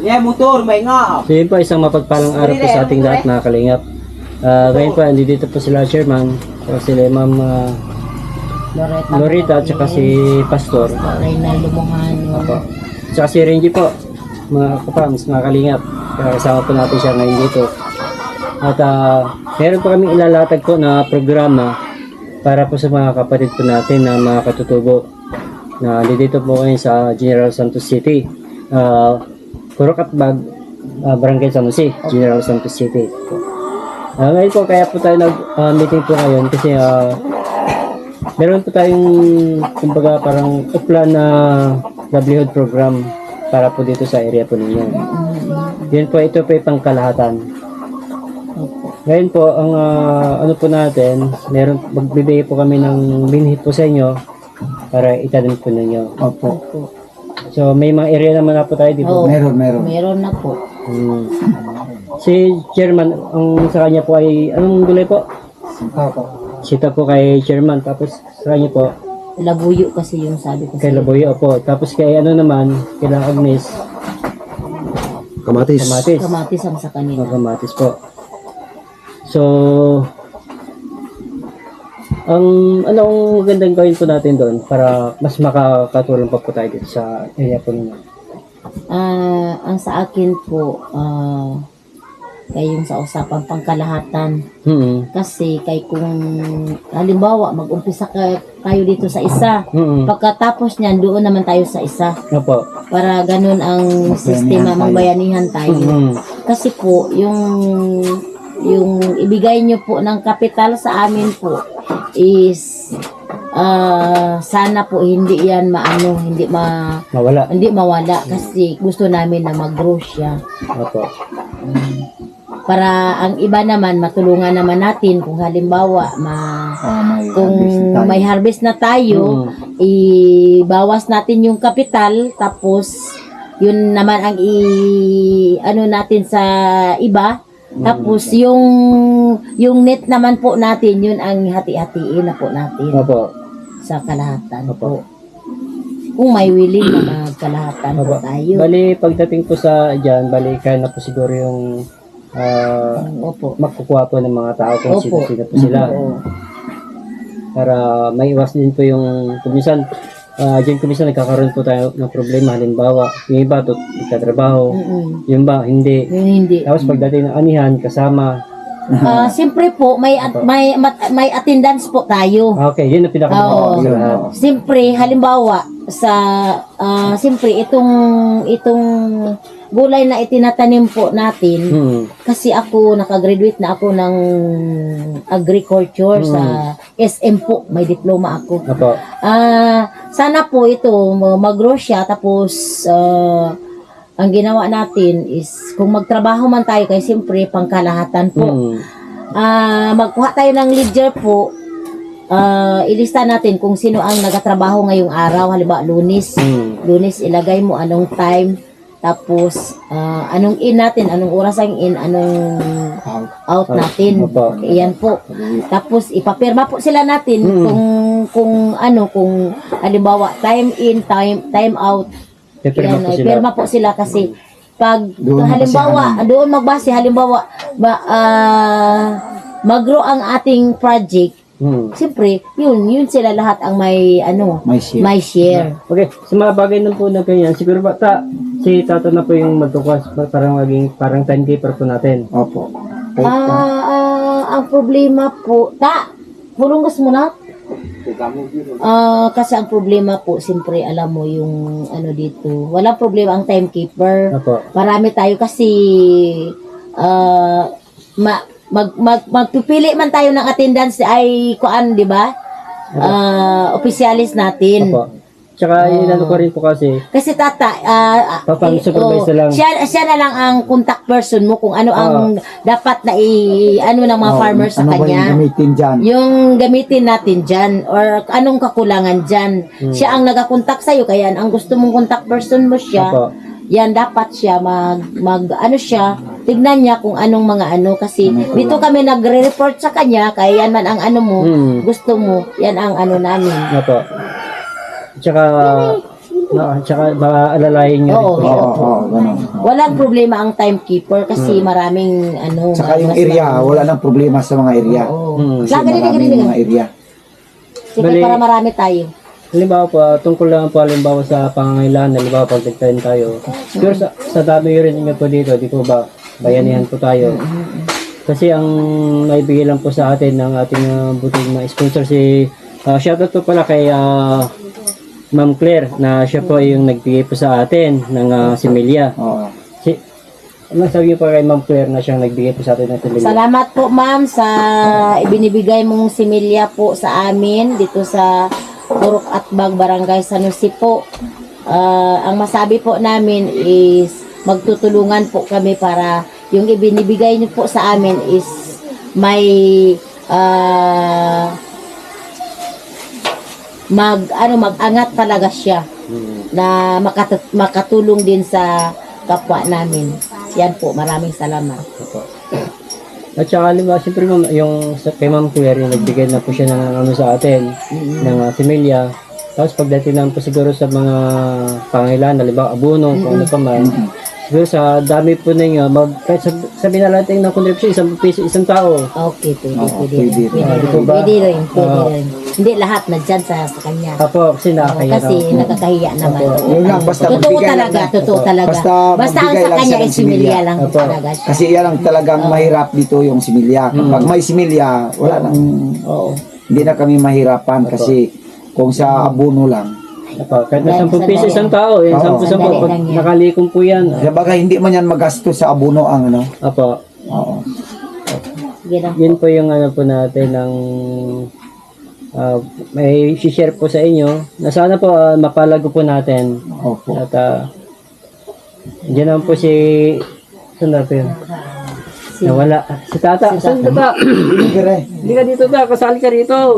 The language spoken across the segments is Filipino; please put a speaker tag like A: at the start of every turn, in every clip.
A: Yeah, motor, may nga.
B: So yun po, isang mapagpalang araw po sa ating lahat mga kalingap. Ngayon po, dito po sila chairman, sila ma'am Lorita at saka si Pastor.
C: Reynaldo Mojano.
B: Apo. Tsaka si Renji po, mga kapams, mga kalingap. Kasama po natin siya ngayon dito. At meron po kami ilalatag po na programa para po sa mga kapatid po natin na mga katutubo na dito po ngayon sa General Santos City. Kurokatbag, Barangay San Jose, General Santos City. Ngayon po, kaya po tayo nag-meeting po ngayon kasi meron po tayong kumbaga parang uplan na livelihood program para po dito sa area po ninyo. Yun po, ito po yung pangkalahatan. Ngayon po, ang ano po natin, magbibigay po kami ng binhi po sa inyo para itanim po ninyo.
D: Opo.
B: So, may mga area naman na po tayo dito.
C: Oo.
D: Meron.
C: Meron na po.
B: Si Chairman, ang sa kanya po ay, anong gulay po?
D: Opo.
B: Sita po kay Chairman, tapos sa kanya po,
C: Labuyo kasi yung sabi ko
B: kay
C: sa'yo.
B: Laboyo po. Tapos kay ano naman, kay Agnes,
E: Kamatis.
B: kamatis.
C: Kamatis ang sa kanila.
B: Kamatis po. So, anong magandang gawin po natin doon para mas makakatulong pa po tayo dito sa area po ninyo?
C: Ang sa akin po, kayong sa usapang pangkalahatan. Kasi kay kung halimbawa mag-umpisa tayo dito sa isa, pagkatapos niyan doon naman tayo sa isa.
B: Opo.
C: Para ganun ang sistema, magbayanihan tayo. Kasi po, yung ibigay nyo po ng kapital sa amin po is sana po hindi yan hindi mawala kasi gusto namin na mag-grow siya.
B: Opo.
C: Para ang iba naman matulungan naman natin kung halimbawa kung may harvest na tayo, ibawas natin yung kapital tapos yun naman ang ano natin sa iba. Tapos yung net naman po natin, yun ang hati-hatiin na po natin.
B: Opo.
C: Sa kalahatan
B: Opo.
C: po. Kung may willing na magkalahatan po tayo.
B: Bali, pagdating po sa dyan, bali, kaya na po siguro yung
C: Opo.
B: magkukuha po ng mga tao kung
C: Opo.
B: sino-sino po sila. Para maiwas din po yung kumisan. Diyan kumisan nagkakaroon po tayo ng problema. Halimbawa, yung iba nagtatrabaho, yung iba hindi.
C: Yung hindi.
B: Tapos pagdating ng anihan, kasama.
C: Siyempre po, may attendance po tayo.
B: Okay, yun ang pinaka-mahalaga sa lahat.
C: Siyempre, halimbawa, siyempre, itong gulay na itinatanim po natin, kasi ako, nakagraduate na ako ng agriculture sa SM po, may diploma ako.
B: Opo.
C: Sana po ito, mag-grow siya, tapos, ang ginawa natin is, kung magtrabaho man tayo, kaya siyempre, pangkalahatan po. Magkuha tayo ng leader po, ilista natin kung sino ang nagatrabaho ngayong araw, halimbawa Lunes. Lunes, ilagay mo anong time, tapos anong in natin, anong oras ang in, anong out natin. Iyan po. Tapos ipapirma po sila natin kung halimbawa time in, time out. Yan, pirma po sila kasi pag halimbawa doon magbase, halimbawa mag-grow ang ating project. Siyempre, yun sila lahat ang may share.
B: Okay, sa mga bagay na po na ganyan, siguro ba si Tata na po yung magtukas parang timekeeper po natin.
D: Opo.
C: Ang problema po, pulungas mo na. Kasi ang problema po, siyempre alam mo yung dito, walang problema ang timekeeper.
B: Opo.
C: Marami tayo kasi magpipili man tayo ng attendance ay kuan, di ba? Opisyalis natin.
B: Opo. Tsaka inano ko rin po kasi
C: Tata,
B: supervise lang.
C: Siya na lang ang contact person mo kung ano ang dapat na ng mga farmers sa kanya.
D: Ano ba yung gamitin dyan?
C: Yung gamitin natin dyan or anong kakulangan dyan. Siya ang nagakontak sa'yo, kaya ang gusto mong contact person mo siya.
B: Opo.
C: Yan, dapat siya siya, tignan niya kung anong mga kasi dito kami nagre-report sa kanya, kaya yan man ang gusto mo, yan ang namin.
B: Opo. Tsaka Tsaka baka alalayan nyo rin
C: Oo.
B: po siya.
A: Ganun.
C: Walang problema ang timekeeper kasi maraming
A: Saka yung
C: mas
A: area,
C: marami.
A: wala nang problema sa mga area.
C: Oo.
A: Kasi
C: Lagay
A: maraming mga area.
C: Sige,
B: Bali-
C: para marami tayo.
B: Halimbawa po, tungkol lang po halimbawa sa pangangailangan, halimbawa pag nagtanim tayo. Siguro sa dami rin niyo po dito, di po ba, bayanihan po tayo. Kasi ang naibigay lang po sa atin ng ating buting mga sponsor si shoutout po pala kay Ma'am Claire na siya po yung nagbigay po sa atin ng similya.
A: Oo.
B: Ano sabi niyo po kay Ma'am Claire na siyang nagbigay po sa atin ng similya?
C: Salamat po ma'am sa ibinibigay mong similya po sa amin dito sa Purok Atbag, Barangay San Jose po. Ang masabi po namin is magtutulungan po kami para yung ibinibigay niyo po sa amin is may mag-angat talaga siya na makatulong din sa kapwa namin. Yan po, maraming salamat.
B: At saka halimbawa, siyempre ma'am, yung kay Ma'am Claire, yung nagbigay na po siya ng ano sa atin, ng similya. Tapos pagdating naman po siguro sa mga pangailangan, halimbawa abono, kung ano pa man. Siguro sa dami po ninyo, kahit sabihin na natin ng contribution, 1 piso, isang tao.
C: Okay, pwede,
A: Oo,
C: pwede,
A: pwede.
C: pwede,
B: Di po ba?
C: pwede rin, pwede rin. Hindi lahat na dyan sa kanya.
B: Apo, kasi nakakaya
C: Kasi nakakahiya naman.
A: Yun lang, basta
C: Totoo
A: magbigay lang
C: talaga,
A: na.
C: totoo talaga.
A: Basta
C: Basta ang
A: magbigay
C: sa
A: lang
C: kanya
A: siya ng
C: is similya lang
B: Opo.
C: talaga siya.
A: Kasi yan ang talagang mahirap dito yung similya. Kapag may similya, wala nang,
C: Oo.
A: hindi na kami mahirapan kasi kung sa abono lang.
B: Apo, kahit na
C: Dahil
B: 10 piso
C: sandali.
B: isang tao,
A: Oo.
B: 10
C: Sandali
B: pag
C: lang yan.
B: nakalikom po yan.
A: Sabagay, hindi man yan magastos sa abono ang ano.
B: Apo,
A: Oo.
C: Sige lang.
B: yun po yung ano po natin ng may share po sa inyo na sana po mapalago po natin.
A: Opo.
B: At dyan naman po si saan na po yun? Nawala. Si Tata. Saan Tata?
A: Gire.
B: Hindi ka dito ta. Kasali ka rito.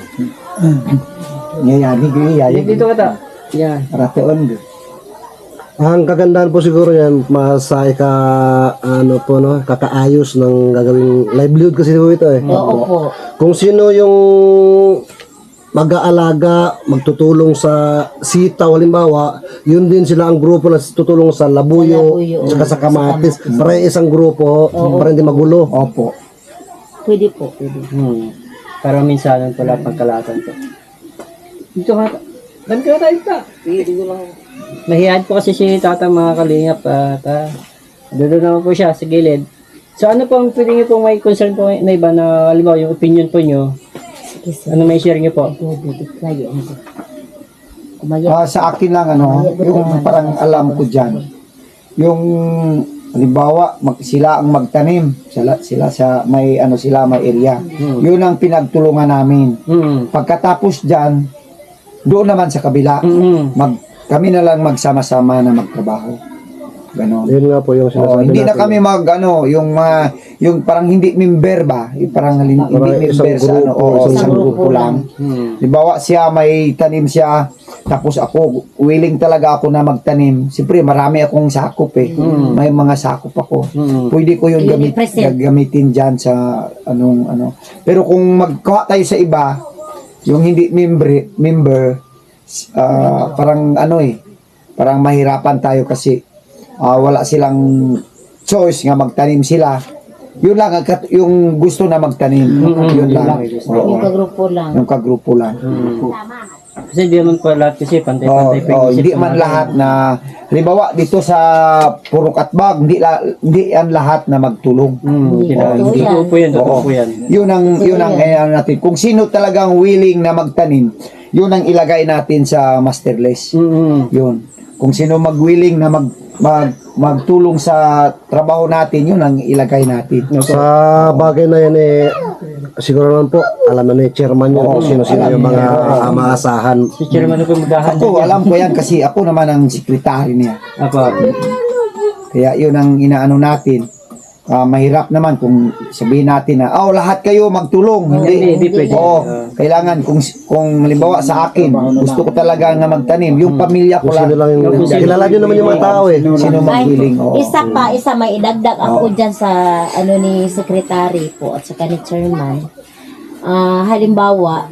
A: Ngayari,
B: Hindi dito ka ta. Yan.
A: Ratoon.
D: Ang kagandahan po siguro yan, sa ano po, no, kakaayos ng gagawing livelihood kasi po ito eh.
C: Oo po.
D: Kung sino yung mag-aalaga, magtutulong sa sitaw, halimbawa, yun din sila ang grupo na tutulong sa labuyo,
C: Sa labuyo,
D: saka sa kamatis. Para isang grupo, para hindi magulo.
A: Opo.
C: Pwede po, pwede.
B: Para minsan pala pagkalatan po. Dito ka. Dito ka tayo ta. Mahiyad po kasi si Tata mga kalingap. Doon naman po siya sa gilid. So ano po ang pwede niyo pong may concern po na iba na halimbawa yung opinion po niyo?
C: Sige, sir.
B: Ano may share niyo po?
C: Lagi ano. Kumaya.
A: Sa akin lang ano, yung parang alam ko dyan. Yung halimbawa, sila ang magtanim. Sila sa may ano sila may area. Yun ang pinagtulungan namin. Pagkatapos dyan, doon naman sa kabila, kami na lang magsama-sama na magtrabaho. Ganon.
D: Yun nga po yung sinasabi
A: Hindi na
D: natin.
A: kami yung parang hindi member ba? Yung parang hindi
D: isang
A: member sa ano,
D: grupo,
A: isang
C: isang
A: grupo
C: grupo
A: lang. Halimbawa siya may tanim siya, tapos ako willing talaga ako na magtanim. Siyempre marami akong sakop eh. May mga sakop ako. Pwede ko yung gagamitin diyan sa ano. Pero kung magkuha tayo sa iba, yung hindi member parang parang mahirapan tayo kasi wala silang choice nga magtanim sila. Yun lang yung gusto na magtanim. Yun lang.
C: Yung kagrupo lang.
A: Yung kagrupo lang.
B: Kasi hindi naman po lahat kasi pantay-pantay pa yung isip
A: Hindi
B: po
A: man
B: natin.
A: lahat na halimbawa dito sa Purok Atbag, hindi yan lahat na magtulong.
C: Hindi
B: Hindi
C: totoo
B: po po yan. Totoo
A: Oo.
B: po yan.
A: Yun ang ano natin. Kung sino talagang willing na magtanim, yun ang ilagay natin sa master list. Yun. Kung sino mag-willing na magtulong sa trabaho natin, yun ang ilagay natin.
D: Sa bagay na yan siguro naman po, alam na ni chairman yun kung sino-sino yung mga maasahan.
B: Si Chairman po maghahandle
A: Ako, alam ko yan kasi ako naman ang sekretary niya.
B: Apo.
A: Kaya yun ang inaano natin. Mahirap naman kung sabihin natin na, lahat kayo magtulong.
B: Hindi pwede.
A: Kailangan kung halimbawa sa akin, gusto ko talaga nga magtanim. Yung pamilya ko
D: Kung sino
A: lang.
D: lang yung, kilala nyo naman yung mga tao eh.
A: Sino
C: Ay,
A: mag-willing.
C: isa may idagdag ako dyan sa ano ni secretary po at saka ni chairman. halimbawa,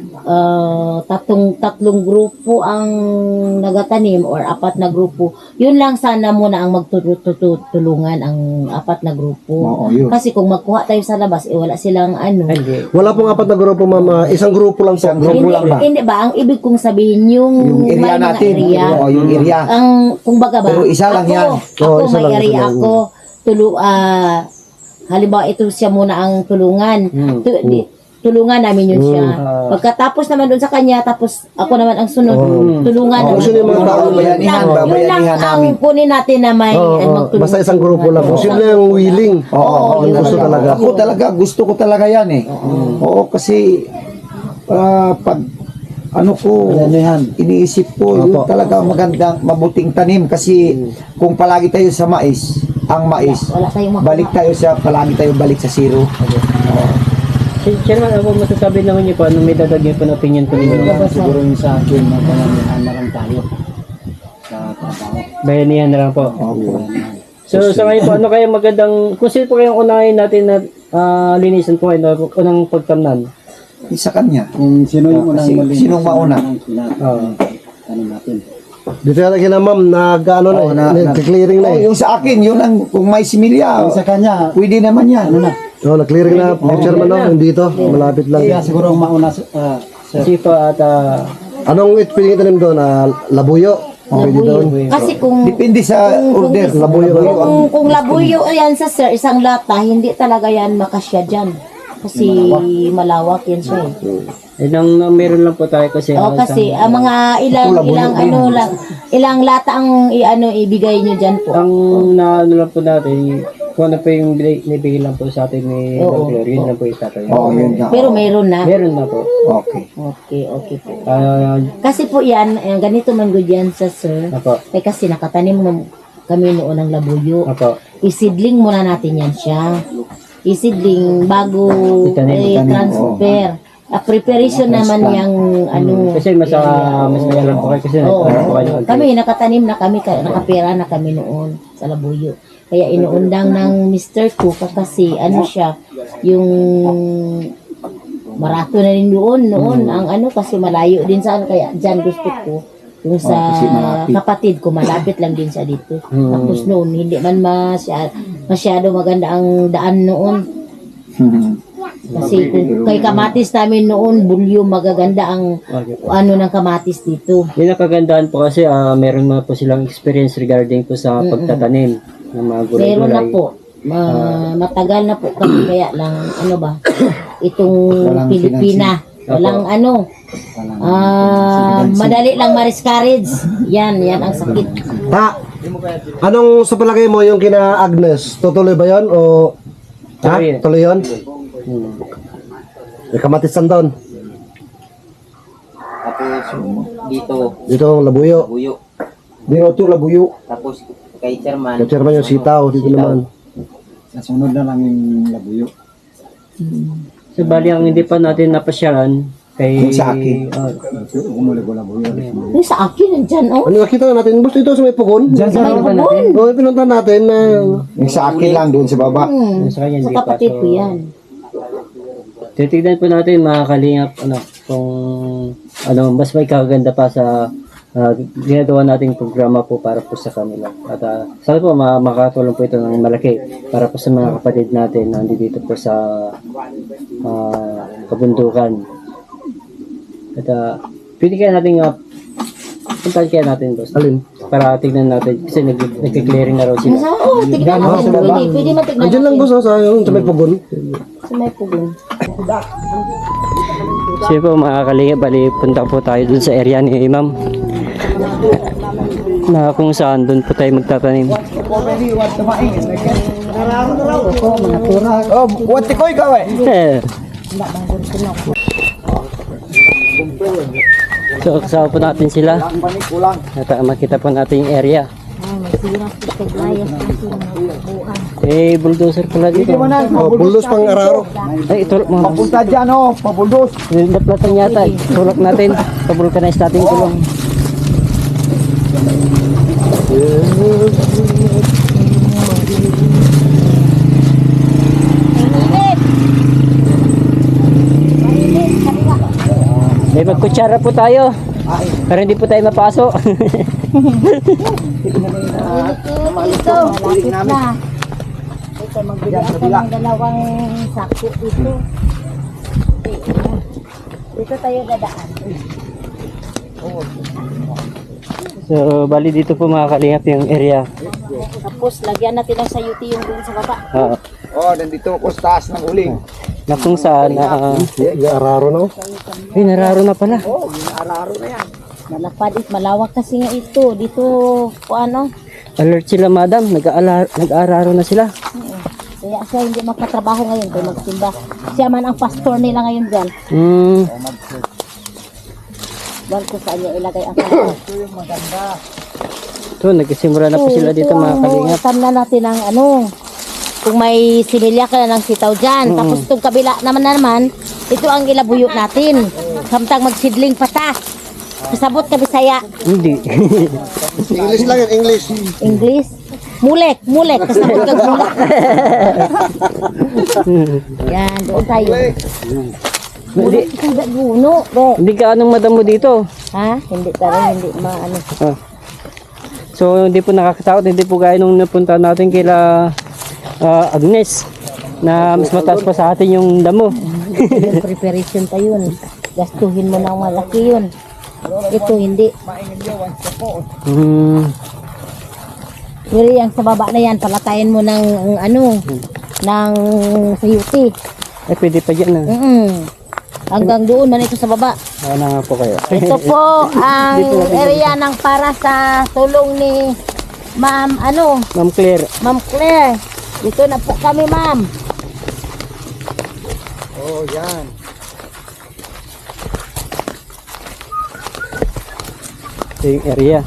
C: tatlong grupo ang nagatanim or apat na grupo, yun lang sana muna ang magtutulungan ang apat na grupo.
A: Oo, yun.
C: Kasi kung magkuha tayo sa labas, wala silang ano.
B: Hindi.
D: Wala pong apat na grupo, ma'am. Isang grupo lang po.
A: Isang grupo
C: Hindi,
A: lang ba?
C: hindi ba? Ang ibig kong sabihin, yung
A: Yung area
C: may mga
A: natin.
C: area.
A: Oo, yung area.
C: Ang, kung baga ba,
A: Pero isa lang yan.
C: Ako,
D: Isa
C: may
D: lang,
C: area
D: isa lang.
C: ako, halimbawa ito siya muna ang tulungan. Tulungan namin yun siya. Pagkatapos naman doon sa kanya, tapos ako naman ang sunod, tulungan naman.
D: Gusto niyo mga tao,
A: babayanihan,
C: Yun lang
A: babayanihan
C: ang
A: namin.
C: kunin natin na may magtulungan.
D: Basta isang grupo lang po. Simple yung willing.
A: Oo,
D: Yung gusto talaga.
A: Ako talaga, gusto ko talaga yan eh. Oo, kasi pag ano ko, iniisip ko, yun talaga magandang, mabuting tanim kasi kung palagi tayo sa mais, ang mais,
C: Wala tayong makuha.
A: balik tayo sa, palagi tayo balik sa zero.
B: Chairman, ako masasabi naman niyo po, anong may dadagyan po na opinion po ninyo?
E: Siguro yung sa akin, mapanganihan na lang tayo sa trabaho.
B: Bayanihan na lang po. So sa ngayon po, ano kaya magandang, kung sino po kayong unahin natin na linisan po kayo, unang pagtamnan?
A: Isa kanya.
E: Kung sino yung unang
A: Kasi
E: mali.
A: sinong mauna?
E: Tanim natin.
D: Dito na kina ma'am, nag-ano na, nag-clearing na
A: Oh,
D: eh.
A: yung sa akin, yun ang, kung may similya,
E: Sa kanya,
A: pwede naman yan.
D: Oh, nag-clearing na. Chairman, no? Dito, malapit lang.
E: kaya siguro ang mauna sir.
B: Kasi po at
D: Anong pwedeng itanim doon? Labuyo? Pwede doon.
C: Kasi kung
A: Depende sa order.
D: Labuyo.
C: kung labuyo yan sa sir, isang lata, hindi talaga yan makasya dyan. Kasi malawak yan siya eh.
B: meron lang po tayo kasi.
C: Oo, kasi mga ilang lata ang ibigay nyo dyan po.
B: Ang naano lang po natin, kung ano po yung nibigay lang po sa atin ni
C: Oo.
B: Dr. Yun lang po itatayo.
A: Oo, yun nga.
C: Pero mayroon na.
B: Meron na po.
A: Okay.
C: Okay po.
B: Ah,
C: Kasi po yan, ganito man good yan sa sir.
B: Apo.
C: Kasi nakatanim mo kami noon ng labuyo.
B: Apo.
C: Isidling muna natin yan siya. Isidling bago
B: Itanim,
C: transfer. Preparation naman yung
B: Kasi mas may alam po kayo kasi
C: Oo.
B: nagkaroon po kayo.
C: Kami nakatanim na kami, nakapera na kami noon sa labuyo. Kaya inuundang ng Mr. Cook kasi siya, yung marato na rin noon ang kasi malayo din sa kaya dyan gusto ko yung sa
A: kasi malapit.
C: kapatid ko malapit lang din sa dito. Tapos noon hindi man masyado maganda ang daan noon. Kasi kung kay kamatis namin noon, bulyo magaganda ang ng kamatis dito.
B: Yung nakagandaan po kasi meron na po silang experience regarding po sa pagtatanim ng mga gulay-gulay.
C: Meron na po. Matagal na po kami kaya lang itong
A: Walang
C: Pilipina. Walang madali lang ma-discourage. Yan ang sakit.
D: Anong sa palagay mo yung kina Agnes? Tutuloy ba yun? O
B: Tuloy.
D: tuloy yun? May kamatisan doon.
F: Tapos dito,
D: Dito ang labuyo.
F: buyo.
A: Dito labuyo.
F: Tapos kay chairman.
D: Kaya chairman yung sitaw. Dito naman.
E: Sa sunod na lang yung labuyo.
B: So bali ang hindi pa natin napasyalan kay
A: Yung sa akin.
E: Umuli ko labuyo.
C: Yung sa akin nandyan
D: Ano nakita natin? Basta ito sa may pugon.
E: Diyan sa
C: May
E: harapan
C: bubon.
D: Oo, pinunta natin na
A: Yung sa akin lang doon sa baba.
B: sa kanya
C: Sa
B: hindi pa.
C: kapatid ko yan.
B: Titignan po natin mga kalingap kung mas may kaganda pa sa ginagawa nating programa po para po sa kanila. At sana po makatulong po ito ng malaki para po sa mga kapatid natin na dito po sa kabundukan. At pwede kaya natin puntahan kaya natin boss.
D: alin.
B: Para tignan natin kasi nag-clearing na raw sila.
C: Tignan natin. Pwede matignan
D: Andiyan lang
C: natin.
D: boss, sa yung sa may pugon.
C: Sa may pugon.
B: Sige po mga kalingap, bali punta po tayo dun sa area ni Ma'am na kung saan dun po tayo magtatanim.
A: Oh, wati ko ikaw eh.
B: So kasama po natin sila at makita po natin yung area. Bulldozer pala dito.
D: Oh, buldos pang araro.
B: Ay, itulak mo.
A: Papunta dyan pabuldos.
B: Naplatan yata. Tulak natin. Pabulkanize natin yung kulong. Magkutsara po tayo. Para hindi po tayo mapasok.
C: Ito, malapit na. Ito, magbili ako ng dalawang sako ito. Dito tayo dadaan.
B: So, bali dito po mga kalingap yung area.
C: Tapos, lagyan natin ng sayuti yung dun sa baba.
A: Oh, nandito ako sa taas ng uling.
B: Na kung saan,
D: Araro na.
B: ay, nararo na pala.
A: Oh, araro na yan.
C: Malapad it, malawak kasi nga ito. Dito, ano,
B: Alert sila, madam. Nag-aararo na sila.
C: kaya siya hindi magkatrabaho ngayon kaya magsimba. Siya man ang pastor nila ngayon dyan. Doon kung saan niya ilagay ang pastor.
B: So, nagsisimula na po sila dito mga kalingap.
C: Itam na natin ang ano, kung may similya ka na ng sitaw dyan. Tapos itong kabila naman, ito ang ilabuyo natin. Samtang magsidling pa ta. Kasabot ka Bisaya.
B: Hindi.
D: English lang yan, English.
C: English. Mulek. Kasabot ka mulek. Yan, doon tayo. Mulek ka guno.
B: Hindi ka anong madam mo dito.
C: Ha? Hindi tayo, hindi maano.
B: So, hindi po nakakatakot. Hindi po gaya nung napunta natin kila Agnes na mas mataas pa sa atin yung damo.
C: Yung preparation pa yun. Gastuhin mo ng malaki yun. Ito hindi. Pero yung sa baba na yan, palatayin mo ng ano, ng sayuti.
B: Eh, pwede pa dyan.
C: Hanggang doon man ito sa baba.
B: Na nga po kayo.
C: Ito po ang area ng para sa tulong ni Ma'am
B: Ma'am Claire.
C: Ma'am Claire. Dito na po kami, ma'am.
A: Oh, yan.
B: Ito yung area.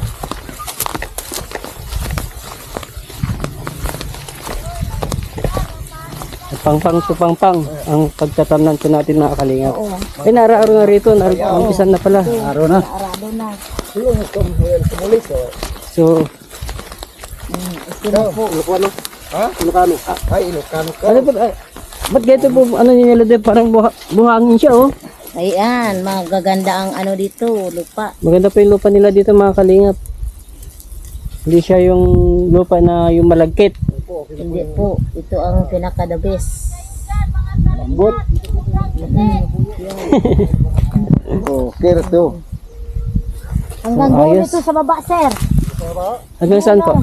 B: Pang-pang ang pagtatamnan po natin mga kalingap. Eh, naraaro na rito. Umpisan na pala.
E: Araw na.
C: Arado na.
B: So,
C: Ito na po.
D: Ilocano.
A: Ha?
D: Ilocano.
A: Ay, Ilocano ka.
B: ano po? Ba't ganito po? Ano nila din? Parang buhangin siya, oh.
C: Ayan, magaganda ang ano dito, lupa.
B: Maganda po yung lupa nila dito mga kalingap. Hindi siya yung lupa na yung malagkit.
C: Hindi po, ito ang pinaka-the best.
A: Lambot. Oh, kira to.
C: Hanggang
B: Oh,
C: doon
B: ayos.
C: ito sa baba, sir.
B: Hanggang saan po?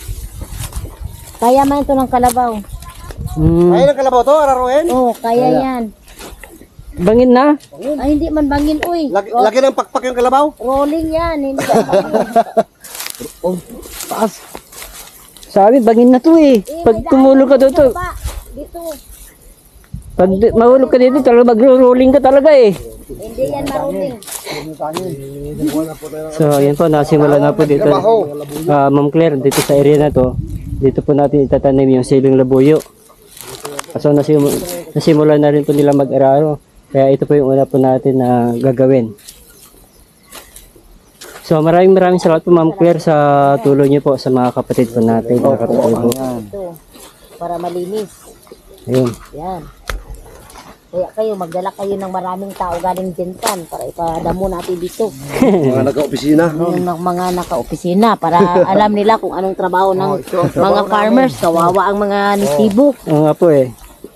C: Kaya man ito ng kalabaw.
D: Ay, nakalabaw to, araruin.
C: Oh, kaya yan.
B: Bangin na?
C: Ay, hindi man bangin, uy.
D: Lagi ng pakpak yung kalabaw.
C: Rolling yan, hindi man bangin.
B: Taas. Sa amin, bangin na to eh. Pag tumulog ka dito,
C: Baba, dito.
B: pag mahulog ka dito, talaga magro-rolling ka talaga eh.
C: Hindi yan marunning.
B: So, ayan po, nasimula na po dito. Ma'am Claire, dito sa area na to, dito po natin itatanim yung siling labuyo. So, nasimula na rin po nila mag-araro. Kaya ito po yung una po natin na gagawin. So, maraming salamat po Ma'am Claire sa tulong niyo po sa mga kapatid po natin. Nakatutubo.
C: Ito, para malinis.
B: Ayun.
C: Yan. Kaya kayo, magdala kayo ng maraming tao galing Jentan para ipadamo natin dito.
D: Mga nagka-opisina.
C: Yung mga naka-opisina para alam nila kung anong trabaho ng mga farmers. Kawawa ang mga nitibo.
B: Oo nga po eh.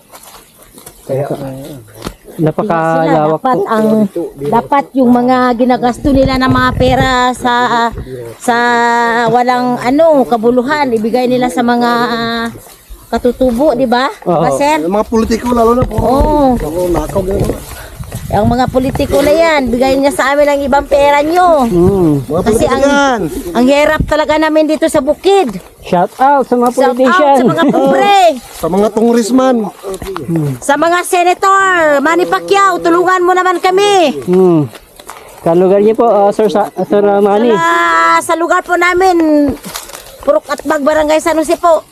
B: Napakalawak po.
C: Dapat yung mga ginagasto nila ng mga pera sa walang kabuluhan ibigay nila sa mga katutubo, di ba?
B: Oo.
C: Sir?
D: Yung mga politiko lalo na po.
C: Oo.
D: Nakaw na.
C: Ang mga politiko na yan, bigay niya sa amin ang ibang pera nyo.
D: Mga
C: Kasi
D: politiko yan.
C: ang hirap talaga namin dito sa bukid.
B: Shout out sa mga
C: Shout out
B: politician.
C: sa mga pobre.
D: Sa mga tungrisman.
C: Sa mga senator, Manny Pacquiao, tulungan mo naman kami.
B: Kalugar niyo po, Sir Manny.
C: Sa lugar po namin, Purok at Barangay San Jose po.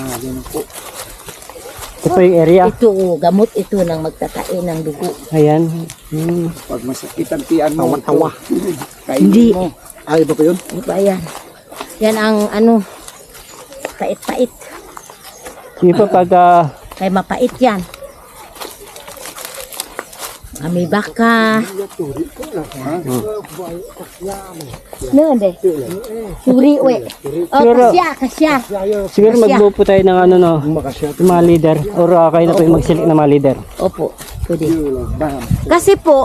B: Ito po yung area.
C: Ito, gamot ito ng magtatain ng dugo.
B: Ayan.
A: Pag masakit ang tiyan mo,
D: Tawa.
C: Hindi.
D: Ay, iba pa yun?
C: Ano ba yan? Yan ang pait-pait.
B: Sige po pag
C: Kaya mapait yan. May baka. Nande. Suri we. Oh,
B: Siguro-
C: kasya.
B: Siguro magbuo po tayo ng ano no, yung mga leader or kayo na po yung mag-select ng mga leader.
C: Opo, pwede. Kasi po,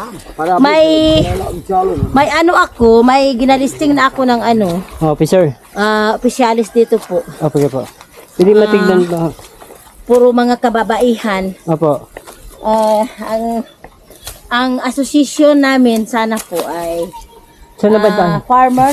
C: may ano ako, may ginalisting na ako ng ano,
B: Officer.
C: opisyalis dito po.
B: Opo po. Pwede matignan ba?
C: Puro mga kababaihan.
B: Opo.
C: Ang association namin sana po ay
B: Saan na ba ito?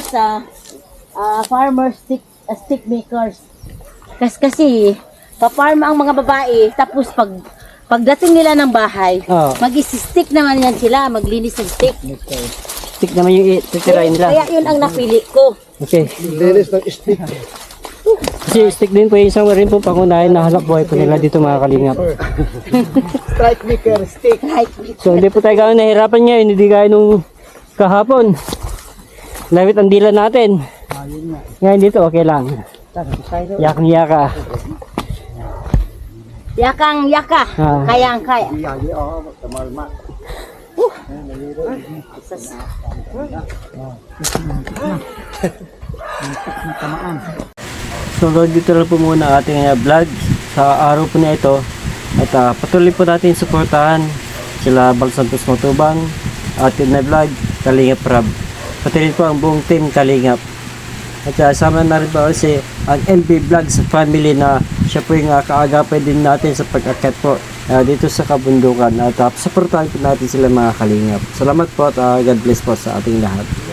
C: farmers stick makers. Kasi pa-farm ang mga babae tapos pagdating nila ng bahay,
B: Oo.
C: mag-stick naman yan sila, maglinis ng stick.
B: Stick naman yung titirain nila.
C: Kaya yun ang napili ko.
B: Okay.
D: Linis ng stick.
B: Kasi stick din po yung isang rin po pangunahin na hanap buhay po nila dito mga kalingap.
A: Strike maker, stick.
B: So hindi po tayo gano'n nahirapan ngayon, hindi gaya nung kahapon. Lamit ang dila natin. Ngayon dito okay lang. Yakang-yaka.
C: Yakang-yaka.
B: Ah.
C: Kayang-kaya.
B: So dito lang po muna ang ating vlog sa araw po na ito. At patuloy po natin suportahan sila Bal Santos Matubang, atin na vlog, Kalingap Rab. Pati rin po ang buong team Kalingap. At sama na rin po kasi ang MB Vlogs family na siya po yung kaagapay din natin sa pag-akyat po dito sa kabundukan. At suportahan po natin sila mga Kalingap. Salamat po at God bless po sa ating lahat.